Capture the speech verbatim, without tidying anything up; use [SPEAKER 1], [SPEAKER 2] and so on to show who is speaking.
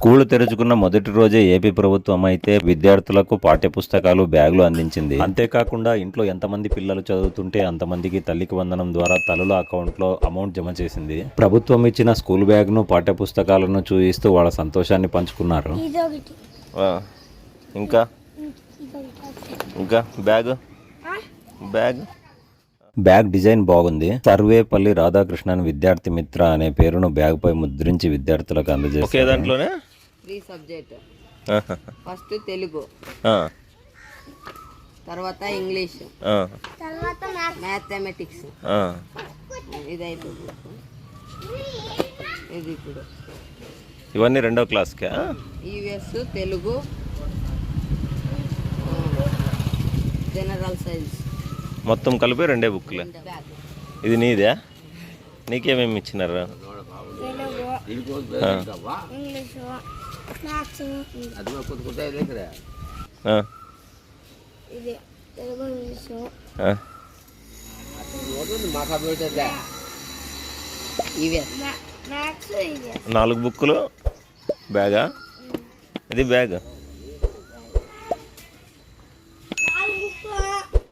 [SPEAKER 1] School తెరుచుకున్న మొదటి రోజే AP ప్రభుత్వం అయితే విద్యార్థులకు పాఠ్య పుస్తకాలు బ్యాగులు అందించింది. అంతేకాకుండా ఇంట్లో ఎంతమంది పిల్లలు చదువుతుంటే అంతమందికి తల్లికి వందనం ద్వారా తల్లుల అకౌంట్లో అమౌంట్ జమ చేసింది. ప్రభుత్వం ఇచ్చిన స్కూల్ బ్యాగ్ను పాఠ్య పుస్తకాలను చూపిస్తూ వాళ్ళ సంతోషాన్ని పంచుకున్నారు.
[SPEAKER 2] ఇంకా ఇంకా బ్యాగ్ బ్యాగ్
[SPEAKER 1] బ్యాగ్ డిజైన్ బాగుంది. సర్వేపల్లి రాధాకృష్ణన్ విద్యార్థి మిత్ర అనే పేరును బ్యాగ్ పై ముద్రించి విద్యార్థులకు అందజేస్తారు.
[SPEAKER 2] దాంట్లోనే
[SPEAKER 3] త్రీ సబ్జెక్ట్. ఫస్ట్ తెలుగు, తర్వాత ఇంగ్లీష్, తర్వాత మ్యాథమెటిక్స్. ఇది అయిపోతుంది. ఇది ఇప్పుడు
[SPEAKER 2] ఇవన్నీ రెండో క్లాస్కా?
[SPEAKER 3] ఈవీఎస్, తెలుగు, జనరల్ సైన్స్
[SPEAKER 2] మొత్తం కలిపి రెండే బుక్లే. ఇది నీదే? నీకేమేమి ఇచ్చినారు? నాలుగు బుక్కులు బ్యాగా? ఇది బ్యాగ్